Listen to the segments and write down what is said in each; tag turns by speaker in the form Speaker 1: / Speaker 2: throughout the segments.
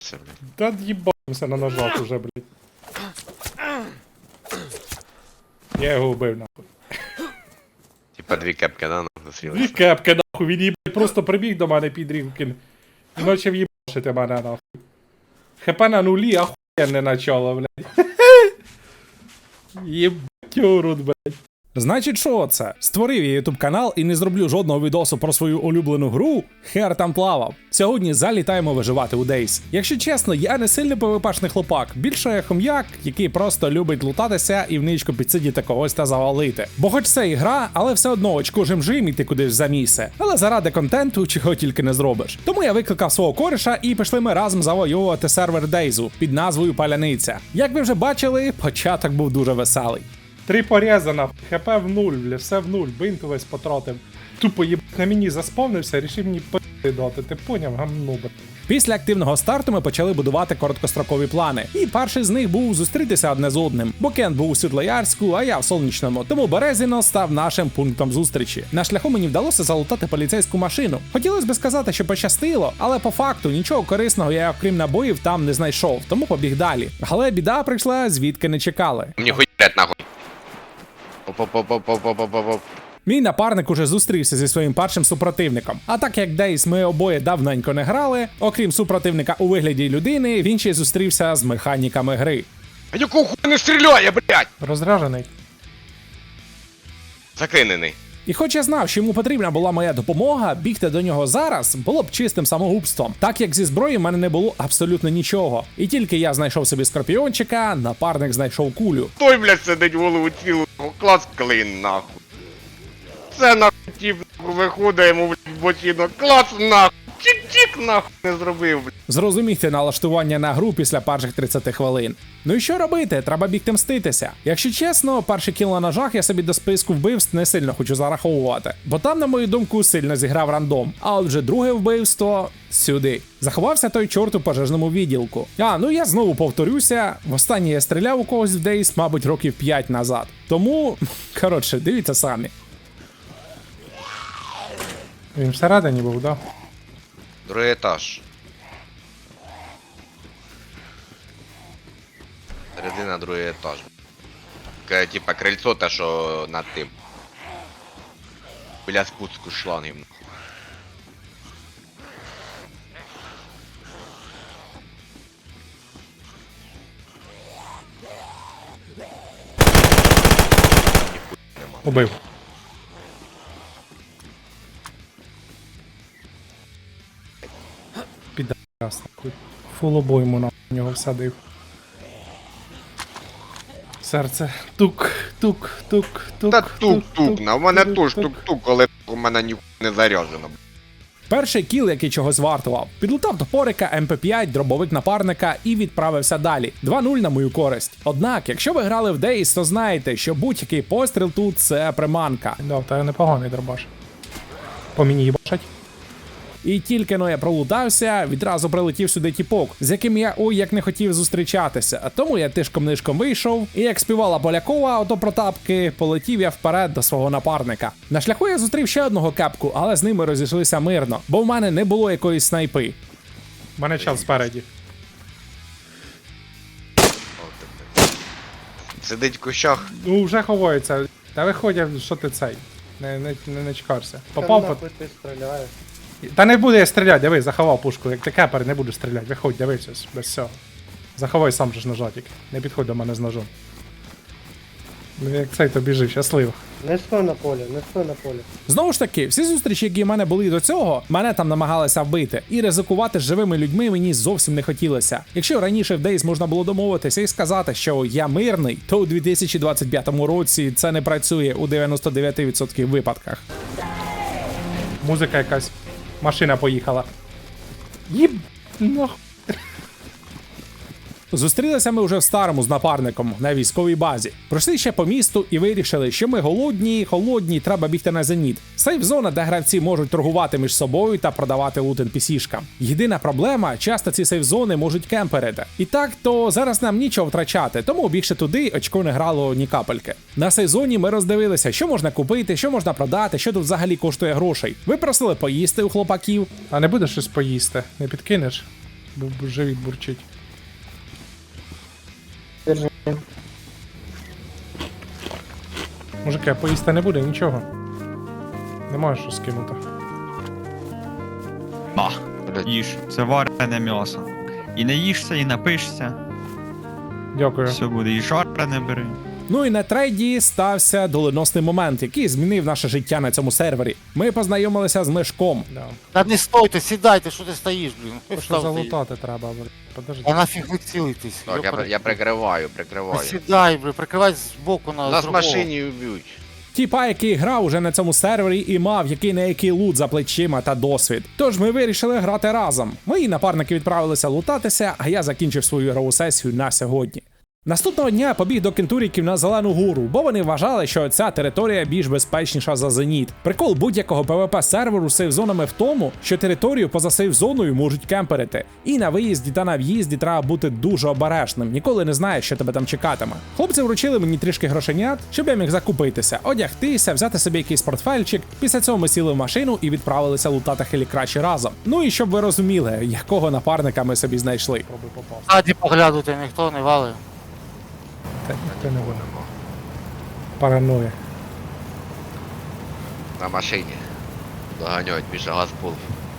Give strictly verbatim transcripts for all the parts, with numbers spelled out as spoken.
Speaker 1: стріляється, блядь.
Speaker 2: Та їбався на ножах уже, блядь. Я його вбив, нахуй.
Speaker 1: Типа дві кепки, да,
Speaker 2: Дві
Speaker 1: застрілися.
Speaker 2: кепки, нахуй, він їбать просто прибіг до мене під рівкін. І почав їбашити мене, нахуй. ХП на нулі, ахуєнне начало, блядь. Єбать урод, блядь. Значить, що це? Створив я ютуб канал і не зроблю жодного відосу про свою улюблену гру, хер там плавав. Сьогодні залітаємо виживати у Дейс. Якщо чесно, я не сильний пвпшний хлопак, більше я хом'як, який просто любить лутатися і в ничку підсидіти когось та завалити. Бо хоч це і гра, але все одно очко жим-жим іти кудись за місце. Але заради контенту чого тільки не зробиш. Тому я викликав свого кореша і пішли ми разом завоювати сервер Дейзу під назвою Паляниця. Як ви вже бачили, початок був дуже веселий. Три порізана, хп в нуль, бля, все в нуль, бинт весь потратив. Тупо їбать на мені заспавнився, рішив мені пи***и дати, ти поняв, гамно, бля. Після активного старту ми почали будувати короткострокові плани. І перший з них був зустрітися одне з одним. Бо Кент був у Світлоярську, а я в Сонячному. Тому Березіно став нашим пунктом зустрічі. На шляху мені вдалося залутати поліцейську машину. Хотілося б сказати, що пощастило, але по факту нічого корисного я, окрім набоїв, там не знайшов, тому побіг далі. Але біда прийшла, звідки не чекали.
Speaker 1: Мені хуярять нахуй. Оп-оп-оп-оп-оп-оп-оп-оп.
Speaker 2: Мій напарник уже зустрівся зі своїм першим супротивником. А так як Дейс ми обоє давненько не грали, окрім супротивника у вигляді людини, він ще й зустрівся з механіками гри.
Speaker 1: А якого хуя не стріляє, блядь?
Speaker 2: Розражений.
Speaker 1: Заклинений.
Speaker 2: І хоч я знав, що йому потрібна була моя допомога, бігти до нього зараз було б чистим самогубством, так як зі зброї в мене не було абсолютно нічого. І тільки я знайшов собі скорпіончика, напарник знайшов кулю.
Speaker 1: Той, блядь, сидить голову цілу, клас клин, нахуй. Це нахуй тіп, нахуй, виходить йому, блядь, в бочину, клас, нахуй. Чик-чик, нахуй, не зробив, блядь.
Speaker 2: Зрозумійте налаштування на гру після перших тридцяти хвилин. Ну і що робити? Треба бігти мститися. Якщо чесно, перший кіл на ножах я собі до списку вбивств не сильно хочу зараховувати. Бо там, на мою думку, сильно зіграв рандом. А от вже друге вбивство сюди. Заховався той чорт у пожежному відділку. А, ну я знову повторюся, востаннє я стріляв у когось в Дейс, мабуть, років п'ять назад. Тому, коротше, дивіться самі. Він всередині був, да?
Speaker 1: Другий етаж. Середина, другий етаж. Таке, типа, крильцо те, що над тим. Біля спуску шлангів.
Speaker 2: Убив. Підарас, нахуй. Фул обойму на нього всадив. Серце. Тук, тук, тук, тук.
Speaker 1: Та тук-тук, на у мене теж тук-тук, але у мене ніхуя не заряджено.
Speaker 2: Перший кіл, який чогось вартував. Підлутав топорика, ем пе п'ять, дробовик напарника і відправився далі. два нуль на мою користь. Однак, якщо ви грали в Дейс, то знаєте, що будь-який постріл тут – це приманка. Да, та непоганий дробаш. По мені їбашать. І тільки но я пролутався, відразу прилетів сюди тіпок, з яким я ой як не хотів зустрічатися. А тому я тишком-нишком вийшов, і як співала Полякова ото про тапки, полетів я вперед до свого напарника. На шляху я зустрів ще одного кепку, але з ними розійшлися мирно, бо в мене не було якоїсь снайпи. У мене час спереді.
Speaker 1: Сидить в кущах.
Speaker 2: Ну, вже ховається. Та виходять, що ти цей. Не, не, не, не чекався. Попав по...
Speaker 3: Ти стріляєш.
Speaker 2: Та не буду я стріляти, диви, заховав пушку. Як ти кепер, не буду стріляти. Виходь, дивися, без всього. Заховай сам же ж ножатик. Не підходь до мене з ножом. Ну як цей то біжи, щасливо.
Speaker 3: Не стой на полі, не стой на полі.
Speaker 2: Знову ж таки, всі зустрічі, які в мене були до цього, мене там намагалися вбити. І ризикувати з живими людьми мені зовсім не хотілося. Якщо раніше в Дейс можна було домовитися і сказати, що я мирний, то у дві тисячі двадцять п'ятому році це не працює у дев'яносто дев'ять відсотків випадках. Музика якась. Машина поїхала. Їб... нахуй. Зустрілися ми вже в старому з напарником на військовій базі. Пройшли ще по місту і вирішили, що ми голодні, холодні, треба бігти на зеніт. Сейф-зона, де гравці можуть торгувати між собою та продавати лут ен пі сі-шкам. Єдина проблема, часто ці сейф-зони можуть кемперити. І так, то зараз нам нічого втрачати, тому бігши туди, очко не грало ні капельки. На сейф-зоні ми роздивилися, що можна купити, що можна продати, що тут взагалі коштує грошей. Ви просили поїсти у хлопаків. А не будеш щось поїсти? Не підкинеш? бо бо живіт бурчить.
Speaker 3: Держи.
Speaker 2: Мужики, а поїсти не буде, нічого. Немає що скинути.
Speaker 4: На,
Speaker 1: Блядь.
Speaker 4: їж, це варене м'ясо. І не їшся, і напишся.
Speaker 2: Дякую.
Speaker 4: Все буде, і жарене бери.
Speaker 2: Ну і на трейді стався доленосний момент, який змінив наше життя на цьому сервері. Ми познайомилися з Мишком. Да.
Speaker 5: Та не стойте, сідайте, що ти стоїш, блін.
Speaker 2: Що
Speaker 5: Встав ти.
Speaker 2: залутати треба, блядь. Подожди.
Speaker 5: А нафіг ви цілитесь?
Speaker 1: Так, я, я прикриваю, прикриваю.
Speaker 5: Сідай, блін, прикривай збоку на
Speaker 1: Нас в
Speaker 5: другого.
Speaker 1: машині вб'ють.
Speaker 2: Тіпа, який грав уже на цьому сервері і мав який не який лут за плечима та досвід. Тож ми вирішили грати разом. Мої напарники відправилися лутатися, а я закінчив свою ігрову сесію на сьогодні. Наступного дня побіг до кентуріків на Зелену гору, бо вони вважали, що ця територія більш безпечніша за Зеніт. Прикол будь-якого пвп серверу з сейф-зонами в тому, що територію поза сейф-зоною можуть кемперити. І на виїзді та на в'їзді треба бути дуже обережним, ніколи не знаєш, що тебе там чекатиме. Хлопці вручили мені трішки грошенят, щоб я міг закупитися, одягтися, взяти собі якийсь портфельчик. Після цього ми сіли в машину і відправилися лутати хелікрачі разом. Ну і щоб ви розуміли, якого напарника ми собі знайшли. Пробуй попасти.
Speaker 5: Ззаді поглядуйте, ніхто не валив.
Speaker 2: Та ніхто не буде. Паранує.
Speaker 1: На машині. Доганяють більше газпул.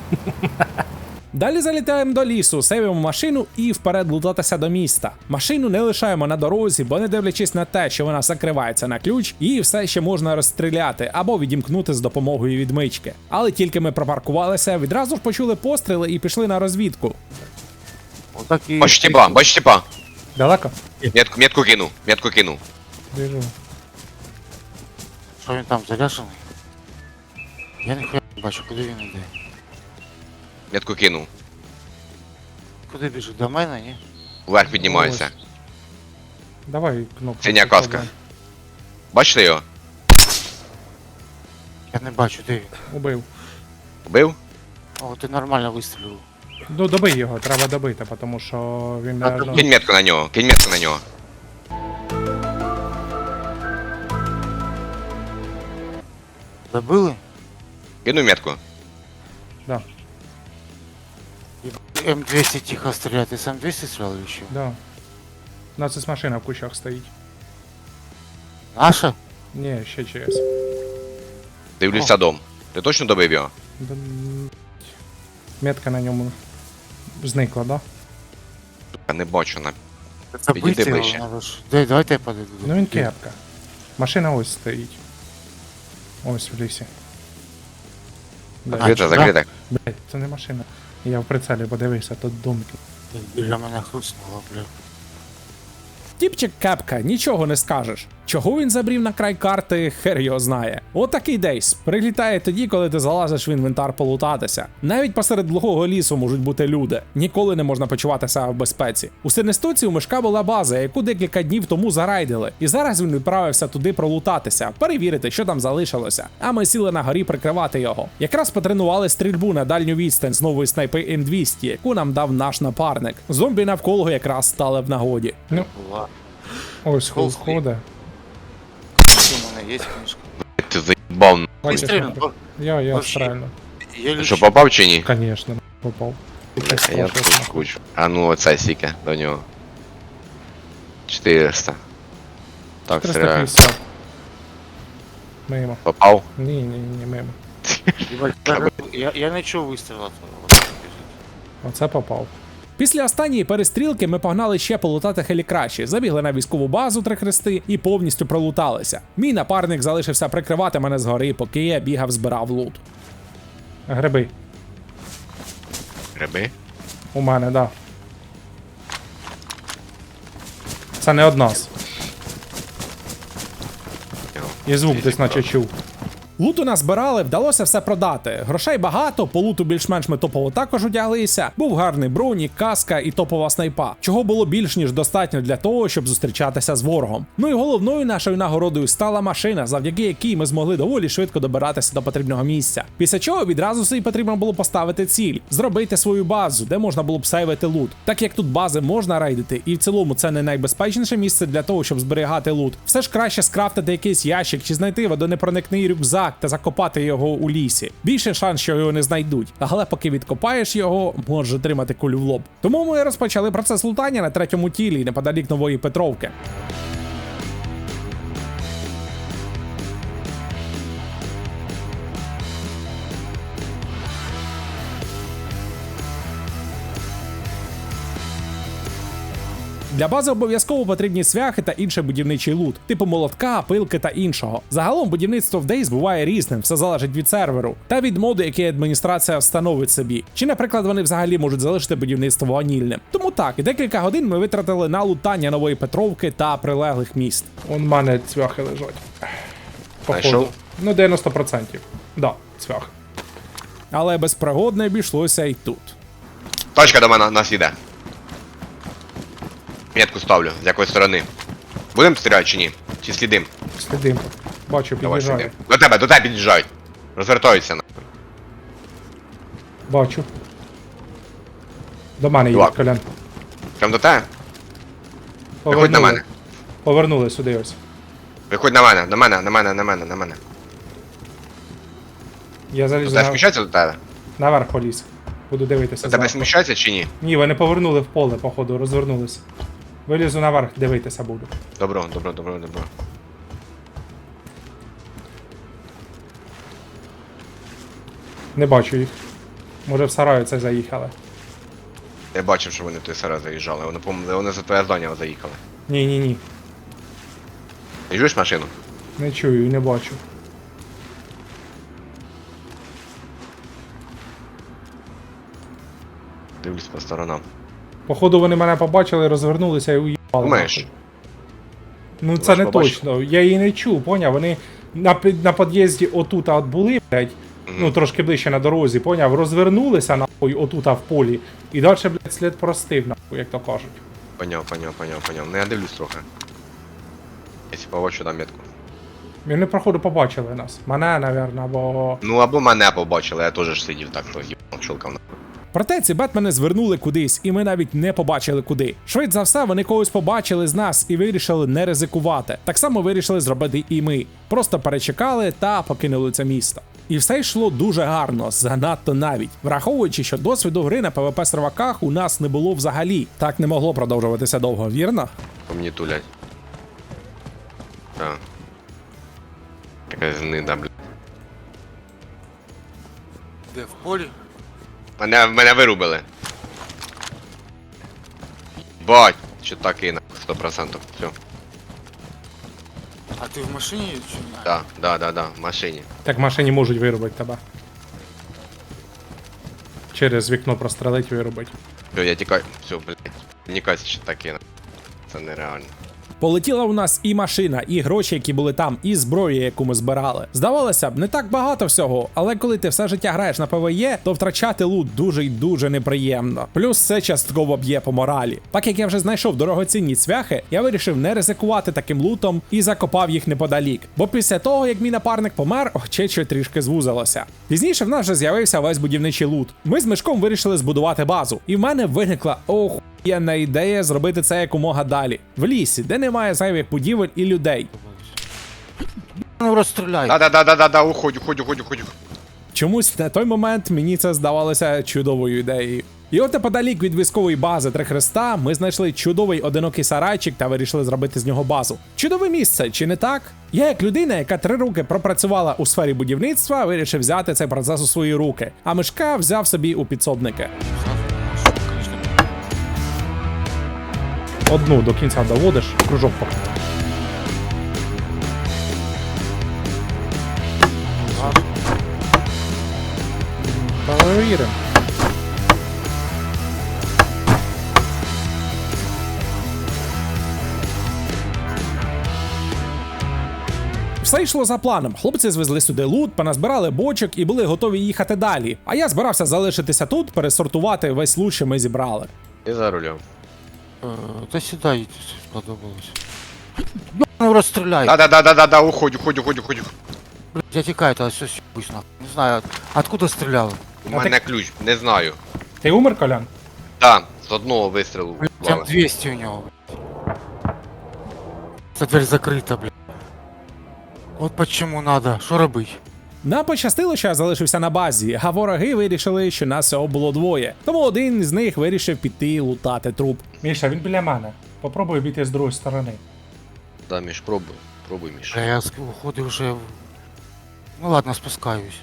Speaker 2: Далі залітаємо до лісу, сейвимо машину і вперед лутатися до міста. Машину не лишаємо на дорозі, бо не дивлячись на те, що вона закривається на ключ, її все ще можна розстріляти або відімкнути з допомогою відмички. Але тільки ми пропаркувалися, відразу ж почули постріли і пішли на розвідку.
Speaker 5: Отак і...
Speaker 1: Бачу тіпа, бачу тіпа.
Speaker 2: Далеко?
Speaker 1: Метку, метку кину, метку кину.
Speaker 2: Біжу.
Speaker 5: Що він там, заряжений? Я ніхуя не бачу, куди він йде.
Speaker 1: Метку кину.
Speaker 5: Куди біжить? До мене, ні?
Speaker 1: Вверх піднімається.
Speaker 2: Давай кнопку.
Speaker 1: Синя каска. Бачите його?
Speaker 5: Я не бачу, де він.
Speaker 2: Убив.
Speaker 1: Вбив?
Speaker 5: О, ти нормально вистрілив.
Speaker 2: Ну добий його, треба добити, тому що він
Speaker 5: А,
Speaker 2: не...
Speaker 5: ну,
Speaker 1: Кинь метку на нього, кинь метку на нього.
Speaker 5: Забили?
Speaker 1: Кину метку.
Speaker 2: Да,
Speaker 5: М двісті тихо стріляє. Ти сам двісті стріляв ще?
Speaker 2: да. У нас ось машина в кущах стоїть.
Speaker 5: Наша?
Speaker 2: Ні, ще ЧС.
Speaker 1: Дивлюся дом. Ти точно добив його?
Speaker 2: Да, м, метка на ньому зникла, да?
Speaker 1: Я не бачу на.
Speaker 5: Забити
Speaker 1: Підійди
Speaker 5: його,
Speaker 1: ближче.
Speaker 5: надо ж. Дай, давайте я подойду.
Speaker 2: Ну він кепка. Машина ось стоїть. Ось в лісі. Блядь,
Speaker 1: Закрита,
Speaker 5: да?
Speaker 1: закрита.
Speaker 2: блядь, це не машина. Я в прицелі подивився, тут думки.
Speaker 5: Біля мене хрустнуло, бля.
Speaker 2: Тіпчик кепка, нічого не скажеш. Чого він забрів на край карти, хер його знає. Отакий дейс. Прилітає тоді, коли ти залазиш в інвентар полутатися. Навіть посеред глухого лісу можуть бути люди. Ніколи не можна почуватися в безпеці. У Синестоці у Мишка була база, яку декілька днів тому зарайдили. І зараз він відправився туди пролутатися, перевірити, що там залишилося. А ми сіли на горі прикривати його. Якраз потренували стрільбу на дальню відстань з нової снайпи М двісті, яку нам дав наш напарник. Зомбі навколо якраз стали в нагоді. Ну,
Speaker 5: Була.
Speaker 2: ось
Speaker 5: Холст.
Speaker 2: ходить.
Speaker 5: У мене є книжка.
Speaker 1: Ти заїбав. на-
Speaker 2: Бачиш,
Speaker 5: Вистрілив, бо
Speaker 2: Я, я
Speaker 5: Вообще.
Speaker 2: стрельну.
Speaker 5: я
Speaker 1: Що,
Speaker 5: лічу.
Speaker 1: попав чи ні?
Speaker 2: Конечно, попав.
Speaker 1: Бля, я тут кучу. А ну оце сіке до нього. чотириста. Так,
Speaker 2: триста
Speaker 1: стріляю.
Speaker 2: п'ятдесят. Мимо.
Speaker 1: Попав?
Speaker 2: Ні, ні, ні, мимо.
Speaker 5: Їбать, Я, я не чув вистріла.
Speaker 2: Оце попав. Після останньої перестрілки ми погнали ще полутати хелікраші, забігли на військову базу Три Хрести і повністю пролуталися. Мій напарник залишився прикривати мене згори, поки я бігав, збирав лут. Гриби.
Speaker 1: Гриби?
Speaker 2: У мене, да. Це не од нас. І звук десь наче чув. Луту назбирали, вдалося все продати. Грошей багато, по луту більш-менш ми топово також одяглися. Був гарний бронік, каска і топова снайпа, чого було більш ніж достатньо для того, щоб зустрічатися з ворогом. Ну і головною нашою нагородою стала машина, завдяки якій ми змогли доволі швидко добиратися до потрібного місця. Після чого відразу собі потрібно було поставити ціль, зробити свою базу, де можна було б сейвити лут. Так як тут бази можна рейдити, і в цілому це не найбезпечніше місце для того, щоб зберігати лут, все ж краще скрафтити якийсь ящик чи знайти водонепроникний рюкзак, так та закопати його у лісі. Більше шанс, що його не знайдуть. Але поки відкопаєш його, може отримати кулю в лоб. Тому ми розпочали процес лутання на третьому тілі неподалік Нової Петровки. Для бази обов'язково потрібні свяхи та інший будівничий лут, типу молотка, пилки та іншого. Загалом будівництво в Дейс буває різним, все залежить від серверу та від моду, який адміністрація встановить собі. Чи, наприклад, вони взагалі можуть залишити будівництво ванільним. Тому так, декілька годин ми витратили на лутання Нової Петровки та прилеглих міст.
Speaker 6: Он в мене цвяхи лежать. Походу.
Speaker 1: Знайшов?
Speaker 6: Ну, дев'яносто відсотків. Да, цвях.
Speaker 2: Але без пригод не обійшлося і тут.
Speaker 1: Точка до мене нас іде. Метку ставлю, з якої сторони. Будем стріляти чи ні? Чи слідим?
Speaker 6: Слідим. Бачу,
Speaker 1: Давай
Speaker 6: під'їжджає.
Speaker 1: слідим. До тебе, до тебе під'їжджають. Розвертаються на.
Speaker 6: Бачу. До мене їде,
Speaker 1: Чувак.
Speaker 6: Колян.
Speaker 1: Прям до тебе? Виходь на мене.
Speaker 6: Повернули сюди ось.
Speaker 1: Виходь на мене, на мене, на мене, на мене, на мене.
Speaker 6: Я
Speaker 1: До
Speaker 6: залізу
Speaker 1: тебе
Speaker 6: на...
Speaker 1: сміщається до тебе?
Speaker 6: наверх поліз. Буду дивитися.
Speaker 1: До тебе
Speaker 6: зверху.
Speaker 1: сміщається чи ні?
Speaker 6: Ні, вони повернули в поле, походу, розвернулися. Вилізу наверх, дивитися буду.
Speaker 1: Добро, добро, добро, добро.
Speaker 6: Не бачу їх. Може в сараю це заїхали.
Speaker 1: Я бачив, що вони в той сарай заїжджали. Вони, по-моєму, вони за твоє здання заїхали.
Speaker 6: Ні, ні, ні.
Speaker 1: Ти чуєш машину?
Speaker 6: Не чую і не бачу.
Speaker 1: Дивлюсь по сторонам.
Speaker 6: Походу вони мене побачили, розвернулися і уїбали.
Speaker 1: Думаєш?
Speaker 6: нахуй. Ну
Speaker 1: Ти
Speaker 6: це не
Speaker 1: можеш побачити?
Speaker 6: точно. Я її не чув, поняв? Вони на, під- на під'їзді отут от були, блядь, ну трошки ближче на дорозі, поняв? Розвернулися нахуй отут в полі. І далі, блядь, слід простив, нахуй, як то кажуть.
Speaker 1: Поняв, поняв, поняв, поняв. Ну я дивлюсь трохи. Якщо побачу, дам метку.
Speaker 6: Вони, проходу, побачили нас. Мене, напевно, бо.
Speaker 1: Ну або мене побачили, я теж ж сидів так, то їбав чолкав.
Speaker 2: Проте ці бетмени звернули кудись, і ми навіть не побачили куди. Швидше за все, вони когось побачили з нас і вирішили не ризикувати. Так само вирішили зробити і ми. Просто перечекали та покинули це місто. І все йшло дуже гарно, занадто навіть. Враховуючи, що досвіду гри на пвп серваках у нас не було взагалі. Так не могло продовжуватися довго, вірно?
Speaker 1: По мені тулять. Так. Якась гнида, блядь.
Speaker 5: Де, в полі?
Speaker 1: Мене, мене вирубили. Бать, що так і на сто процентів. Все.
Speaker 5: А ти в машині чи ні?
Speaker 1: Да, да, да, да, в машині.
Speaker 6: Так в машині можуть виробити тебе. Через вікно прострелить виробить.
Speaker 1: Все, я тікаю. Все, блядь. Нікась ще так і на. Це нереально.
Speaker 2: Полетіла у нас і машина, і гроші, які були там, і зброя, яку ми збирали. Здавалося б, не так багато всього, але коли ти все життя граєш на ПВЕ, то втрачати лут дуже й дуже неприємно. Плюс це частково б'є по моралі. Так як я вже знайшов дорогоцінні цвяхи, я вирішив не ризикувати таким лутом і закопав їх неподалік. Бо після того, як мій напарник помер, очече трішки звузилося. Пізніше в нас вже з'явився весь будівничий лут. Ми з Мишком вирішили збудувати базу, і в мене виникла ох. Є на ідея зробити це якомога далі. В лісі, де немає зайвих будівель і людей.
Speaker 5: Ну розстріляй.
Speaker 1: Да, да, да, да, да, да, уходь, уходь, уходь, уходь.
Speaker 2: Чомусь на той момент мені це здавалося чудовою ідеєю. І от неподалік від військової бази Три Хреста ми знайшли чудовий одинокий сарайчик та вирішили зробити з нього базу. Чудове місце, чи не так? Я, як людина, яка три роки пропрацювала у сфері будівництва, вирішив взяти цей процес у свої руки, а Мишка взяв собі у підсобники.
Speaker 6: Одну до кінця доводиш, кружок поки. Перевіримо.
Speaker 2: Все йшло за планом. Хлопці звезли сюди лут, поназбирали бочок і були готові їхати далі. А я збирався залишитися тут, пересортувати весь лут, що ми зібрали.
Speaker 1: І за рулем.
Speaker 5: Е, Та сюди їдь, сподобалось. Ну розстріляй.
Speaker 1: Да, да, да, да, да, да, уходь, уходь, уходь, уходь.
Speaker 5: Блядь, я тікаю, та все с'їбусь нахуй. Не знаю, откуда стріляли.
Speaker 1: У мене ключ, не знаю.
Speaker 6: Ти умер, Колян?
Speaker 1: Да, з одного вистрілу.
Speaker 5: Блядь, там двісті у нього, блядь. Ця дверь закрита, блядь. От почему надо, що робить?
Speaker 2: Нам пощастило, що я залишився на базі, а вороги вирішили, що нас всього було двоє. Тому один з них вирішив піти лутати труп.
Speaker 6: Міша, він біля мене. Попробуй обійти з другої сторони.
Speaker 1: Да, Міш, пробуй. Пробуй, Міш.
Speaker 5: Бля, я ск- уходив вже. в- Ну ладно, спускаюсь.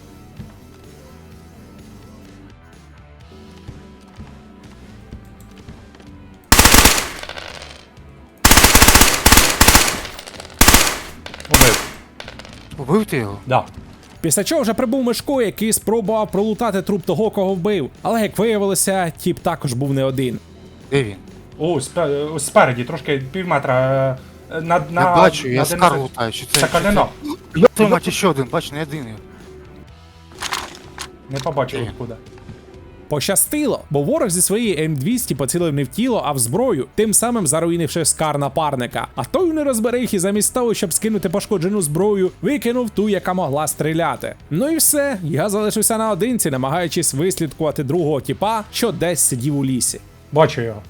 Speaker 6: Убив.
Speaker 5: Убив ти його?
Speaker 6: Да.
Speaker 2: Після чого вже прибув Мишко, який спробував пролутати труп того, кого вбив. Але як виявилося, тіп також був не один.
Speaker 5: Де він?
Speaker 6: О, спе- ось спереді, трошки пів метра. е, На, на,
Speaker 5: Я бачу, я
Speaker 6: на
Speaker 5: скар
Speaker 6: одинадцять.
Speaker 5: лутаю, чи це?
Speaker 6: Це
Speaker 5: чи
Speaker 6: колено.
Speaker 5: Йо, твою мать, ще один, бач, не єдиний.
Speaker 6: Не побачив
Speaker 5: Де?
Speaker 6: откуда.
Speaker 2: Пощастило, бо ворог зі своєї ем двісті поцілив не в тіло, а в зброю, тим самим заруїнивши скар напарника. А той не розберіг і замість того, щоб скинути пошкоджену зброю, викинув ту, яка могла стріляти. Ну і все, я залишився наодинці, намагаючись вислідкувати другого тіпа, що десь сидів у лісі.
Speaker 6: Бачу його.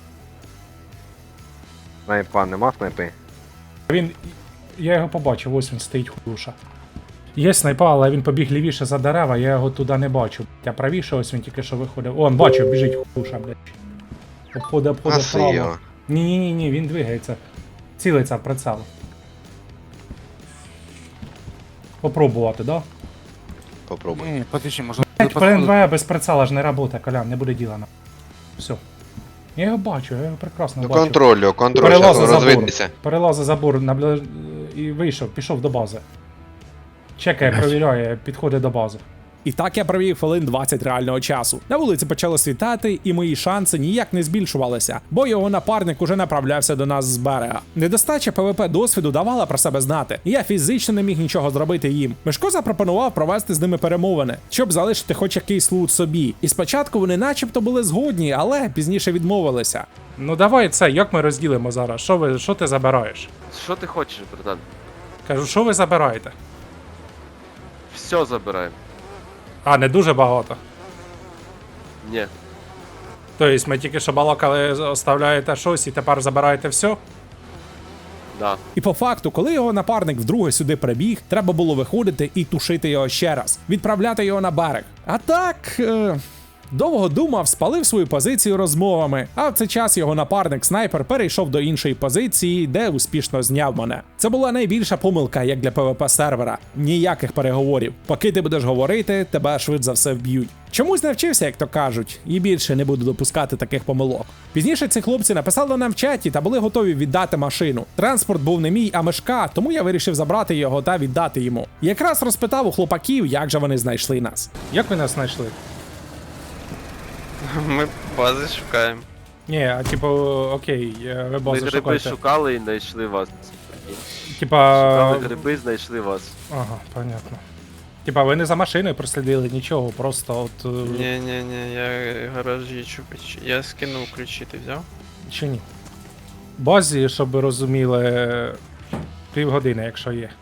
Speaker 1: Снайпа, нема снайпи?
Speaker 6: Він. Я його побачив, ось він стоїть хуша. Є снайпа, але він побіг лівіше за дерева, я його туди не бачу. Я правіше, ось він тільки що виходив. О, он бачив, біжить хуша, блядь. Обходить, обходить
Speaker 1: Гаси
Speaker 6: вправо.
Speaker 1: його.
Speaker 6: Ні-ні-ні, ні, він двигається. Цілиться в прицел. Попробувати, да?
Speaker 1: Попробуй.
Speaker 5: Ні, подожди, може...
Speaker 6: Блять,
Speaker 5: підходить.
Speaker 6: ПНВ без прицела ж не работає, Колян, не буде діла на. Все. Я його бачу, я його прекрасно
Speaker 1: Ну
Speaker 6: бачу.
Speaker 1: контролю, контроль,
Speaker 6: Перелазив
Speaker 1: зараз
Speaker 6: забор.
Speaker 1: розвиднеться.
Speaker 6: Перелазив забор наближ... і вийшов, пішов до бази. Чекає, провіряє, підходить до бази.
Speaker 2: І так я провів хвилин двадцять реального часу. На вулиці почало світати, і мої шанси ніяк не збільшувалися, бо його напарник уже направлявся до нас з берега. Недостача ПВП досвіду давала про себе знати, і я фізично не міг нічого зробити їм. Мишко запропонував провести з ними перемовини, щоб залишити хоч якийсь лут собі. І спочатку вони начебто були згодні, але пізніше відмовилися.
Speaker 6: Ну давай це, як ми розділимо зараз? Що ви, що ти забираєш?
Speaker 7: Що ти хочеш, братан?
Speaker 6: Кажу, що ви забираєте?
Speaker 7: Все забираємо.
Speaker 6: А, не дуже багато.
Speaker 7: Ні.
Speaker 6: Тобто ми тільки що балакали, оставляєте щось і тепер забираєте все?
Speaker 7: Да.
Speaker 2: І по факту, коли його напарник вдруге сюди прибіг, треба було виходити і тушити його ще раз, відправляти його на берег. А так. Е... Довго думав, спалив свою позицію розмовами, а в цей час його напарник-снайпер перейшов до іншої позиції, де успішно зняв мене. Це була найбільша помилка, як для ПВП сервера. Ніяких переговорів. Поки ти будеш говорити, тебе швидше за все вб'ють. Чомусь навчився, як то кажуть, і більше не буду допускати таких помилок. Пізніше ці хлопці написали нам в чаті та були готові віддати машину. Транспорт був не мій, а Мишка, тому я вирішив забрати його та віддати йому. Якраз розпитав у хлопаків, як же вони знайшли нас.
Speaker 6: Як ви нас знайшли?
Speaker 8: Ми бази шукаємо.
Speaker 6: Ні, а типу, окей, е, ви
Speaker 7: Ми
Speaker 6: базу
Speaker 7: гриби
Speaker 6: шукаєте.
Speaker 7: шукали і знайшли вас.
Speaker 6: Типа.
Speaker 7: Шукали гриби, знайшли вас.
Speaker 6: Ага, понятно. Типа, ви не за машиною прослідили нічого, просто от. е,
Speaker 8: Ні, ні, ні, я гаражі чупич. Я скинув ключі, ти взяв?
Speaker 6: Чи ні? Базі, щоб ви розуміли, півгодини, якщо є.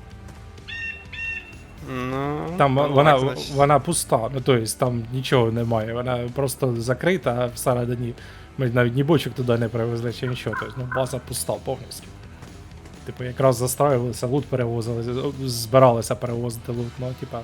Speaker 8: Ну,
Speaker 6: Там
Speaker 8: так,
Speaker 6: вона,
Speaker 8: значить.
Speaker 6: вона пуста, ну тобто там нічого немає, вона просто закрита всередині. Ми навіть ні бочок туди не привезли чи нічого. Тобто, ну, база пуста повністю. Типу, якраз застраювалися, лут перевозили, з- збиралися перевозити лут, ну, типа.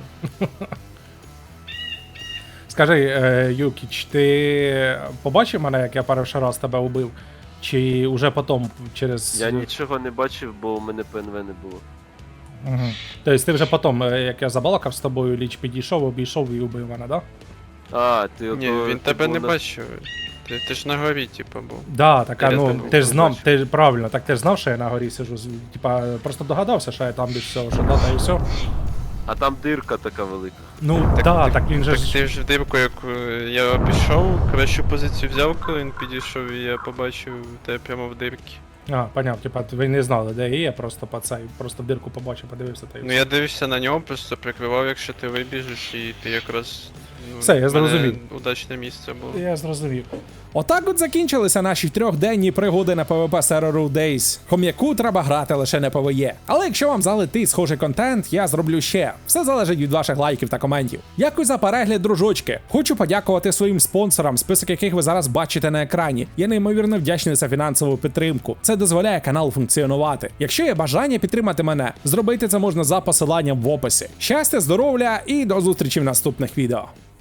Speaker 6: Скажи, е, Юкіч, ти побачив мене, як я перший раз тебе убив? Чи уже потім через.
Speaker 7: Я нічого не бачив, бо у мене ПНВ не було.
Speaker 6: Угу. Тобто ти вже потім, е, як я забалакав з тобою, ліч підійшов, обійшов і убив мене, да?
Speaker 7: А, ти
Speaker 8: Ні,
Speaker 7: ото-
Speaker 8: він
Speaker 7: ти
Speaker 8: тебе
Speaker 7: був
Speaker 8: не
Speaker 7: на-
Speaker 8: бачив. Ти, ти ж на горі, типу, був.
Speaker 6: Да, так, а,
Speaker 8: Я
Speaker 6: ну,
Speaker 8: тебе
Speaker 6: ти ж знав,
Speaker 7: бачив.
Speaker 6: ти ж правильно, так ти ж знав, що я на горі сижу. з- Типа, просто догадався, що я там десь всього, що дата і все.
Speaker 7: А там дирка така велика.
Speaker 6: Ну,
Speaker 8: Так,
Speaker 6: да,
Speaker 8: так,
Speaker 6: так він же
Speaker 8: Так
Speaker 6: ж.
Speaker 8: ти ж в дирку, як е, я пішов, кращу позицію взяв, коли він підійшов, і я побачив тебе прямо в дирці.
Speaker 6: А, понятно, типа, ви не знали, де я є, просто по цей, просто в дирку побачив, подивився та й
Speaker 8: Ну
Speaker 6: все.
Speaker 8: я дивився на нього, просто прикривав, якщо ти вибіжиш, і ти якраз. Ну,
Speaker 6: Все, я
Speaker 8: в мене
Speaker 6: зрозумів.
Speaker 8: Удачне місце було.
Speaker 6: Я зрозумів.
Speaker 2: Отак от закінчилися наші трьохденні пригоди на PvP серверу Days. Хом'яку треба грати лише на PvE. Але якщо вам залетить схожий контент, я зроблю ще. Все залежить від ваших лайків та коментів. Дякую за перегляд, дружочки. Хочу подякувати своїм спонсорам, список яких ви зараз бачите на екрані. Я неймовірно вдячний за фінансову підтримку. Це дозволяє каналу функціонувати. Якщо є бажання підтримати мене, зробити це можна за посиланням в описі. Щастя, здоров'я і до зустрічі в наступних відео.